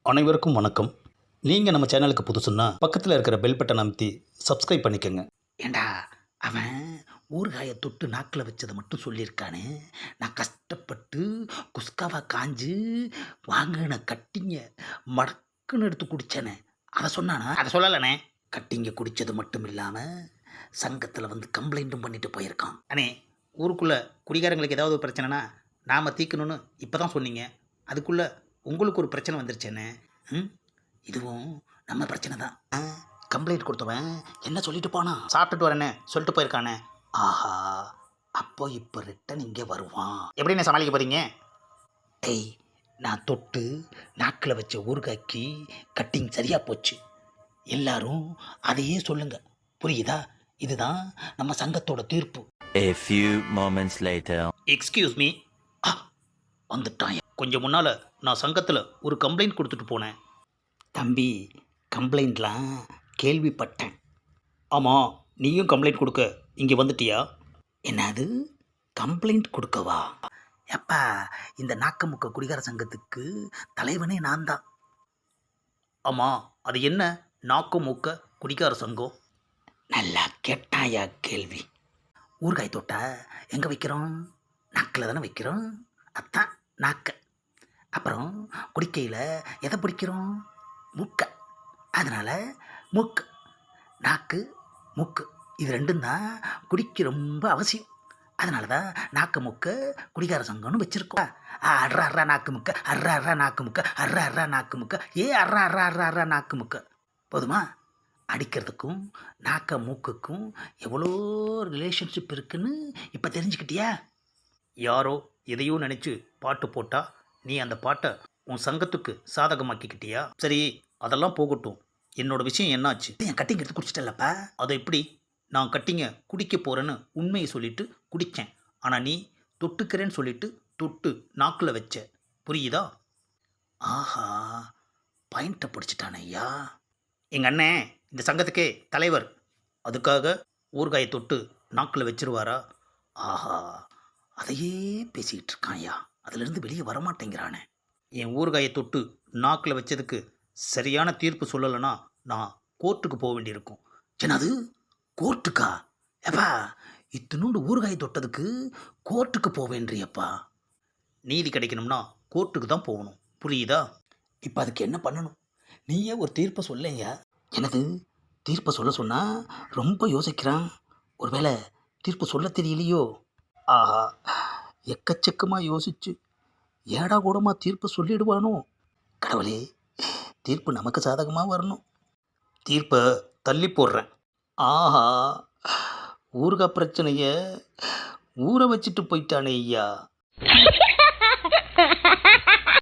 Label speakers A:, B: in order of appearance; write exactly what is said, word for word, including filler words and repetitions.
A: அனைவருக்கும் வணக்கம். நீங்கள் நம்ம சேனலுக்கு புதுசுன்னா பக்கத்தில் இருக்கிற பெல் பட்டன் அமைத்தி சப்ஸ்கிரைப் பண்ணிக்கோங்க.
B: ஏண்டா அவன் ஊறுகாயை தொட்டு நாக்கில் வச்சதை மட்டும் சொல்லியிருக்கானே. நான் கஷ்டப்பட்டு குஸ்காவா காஞ்சு வாங்கின கட்டிங்க மடக்குன்னு எடுத்து குடித்தேனே, அதை சொன்னானா? அதை சொல்லலைண்ணே. கட்டிங்க குடித்தது மட்டும் இல்லாமல் சங்கத்தில் வந்து கம்ப்ளைண்ட்டும் பண்ணிட்டு போயிருக்கான். அண்ணே, ஊருக்குள்ளே குடிகாரங்களுக்கு ஏதாவது ஒரு பிரச்சனைனா நாம் தீர்க்கணும்னு இப்போ தான் சொன்னீங்க. அதுக்குள்ளே உங்களுக்கு ஒரு பிரச்சனை வந்துருச்சேண்ணே. ம் இதுவும் நம்ம பிரச்சனை தான். ஆ, கம்ப்ளைண்ட் கொடுத்தவன் என்ன சொல்லிட்டு போனான்? சாப்பிட்டுட்டு வரேன்னு சொல்லிட்டு போயிருக்கானே. ஆஹா, அப்போ இப்போ ரிட்டன் இங்கே வருவான். எப்படின்னு சமாளிக்க போகிறீங்க? டேய், நான் தொட்டு நாக்கில் வச்ச ஊறுகாய்க்கு கட்டிங் சரியாக போச்சு. எல்லாரும் அதையே சொல்லுங்க, புரியுதா? இதுதான் நம்ம சங்கத்தோட தீர்ப்பு.
C: A few moments later.
B: Excuse me. ஆ, வந்துட்டான். கொஞ்சம் முன்னால் நான் சங்கத்தில் ஒரு கம்ப்ளைண்ட் கொடுத்துட்டு போனேன். தம்பி, கம்ப்ளைண்ட்லாம் கேள்விப்பட்டேன். ஆமாம், நீயும் கம்ப்ளைண்ட் கொடுக்க இங்கே வந்துட்டியா? என்னது, கம்ப்ளைண்ட் கொடுக்கவா? எப்பா, இந்த நாக்கமுக்க குடிகார சங்கத்துக்கு தலைவனே நான் தான். ஆமாம், அது என்ன நாக்கு மூக்க குடிகார சங்கம்? நல்லா கேட்டாயா கேள்வி. ஊறுகாய் தொட்டா எங்கே வைக்கிறோம்? நாக்கில் தானே வைக்கிறோம். அதான் நாக்க. அப்புறம் குடிக்கையில் எதை பிடிக்கிறோம்? மூக்க. அதனால் மூக்கு, நாக்கு, மூக்கு இது ரெண்டும் தான் குடிக்க ரொம்ப அவசியம். அதனால தான் நாக்கு முக்க குடிகார சங்கம்னு வச்சுருக்கோம். அர்ரா அர்ரா நாக்கு முக்க, அர்ரா அர்ரா நாக்கு முக்க, அர்ரா அர்ரா நாக்கு முக்க, ஏ அர்ரா அர்ரா அர்ரா அர்ரா நாக்கு முக்க. போதுமா? அடிக்கிறதுக்கும் நாக்க மூக்குக்கும் எவ்வளோ ரிலேஷன்ஷிப் இருக்குன்னு இப்போ தெரிஞ்சுக்கிட்டியா? யாரோ எதையோ நினச்சி பாட்டு போட்டா நீ அந்த பாட்டை உன் சங்கத்துக்கு சாதகமாக்கிக்கிட்டியா? சரி, அதெல்லாம் போகட்டும். என்னோட விஷயம் என்னாச்சு? என் கட்டிங் எடுத்து குடிச்சிட்டல்லப்பா. அதை எப்படி? நான் கட்டிங்க குடிக்க போகிறேன்னு உண்மையை சொல்லிட்டு குடித்தேன். ஆனால் நீ தொட்டுக்கிறேன்னு சொல்லிட்டு தொட்டு நாக்கில் வச்ச, புரியுதா? ஆஹா, பாயிண்ட்டை பிடிச்சிட்டான ஐயா. எங்கள் அண்ணன் இந்த சங்கத்துக்கே தலைவர். அதுக்காக ஊறுகாயை தொட்டு நாக்கில் வச்சிருவாரா? ஆஹா, அதையே பேசிக்கிட்டு இருக்கான் ஐயா. அதிலிருந்து வெளியே வரமாட்டேங்கிறானே. என் ஊறுகாயை தொட்டு நாக்கில் வச்சதுக்கு சரியான தீர்ப்பு சொல்லலைன்னா நான் கோர்ட்டுக்கு போக வேண்டியிருக்கும். என்னது, கோர்ட்டுக்கா? எப்பா, இத்தினூண்டு ஊறுகாயை தொட்டதுக்கு கோர்ட்டுக்கு போவேன்றியப்பா. நீதி கிடைக்கணும்னா கோர்ட்டுக்கு தான் போகணும், புரியுதா? இப்போ அதுக்கு என்ன பண்ணணும்? நீயே ஒரு தீர்ப்பை சொல்லையா. எனது தீர்ப்பை சொல்ல சொன்னால் ரொம்ப யோசிக்கிறான். ஒருவேளை தீர்ப்பு சொல்ல தெரியலையோ? ஆஹா, எக்கச்சக்கமாக யோசிச்சு ஏடா கூடமாக தீர்ப்பு சொல்லிடுவானோ? கடவுளே, தீர்ப்பு நமக்கு சாதகமாக வரணும். தீர்ப்பை தள்ளி போடுறேன். ஆஹா, ஊறுகாய் பிரச்சனையை ஊற வச்சுட்டு போயிட்டானே ஐயா.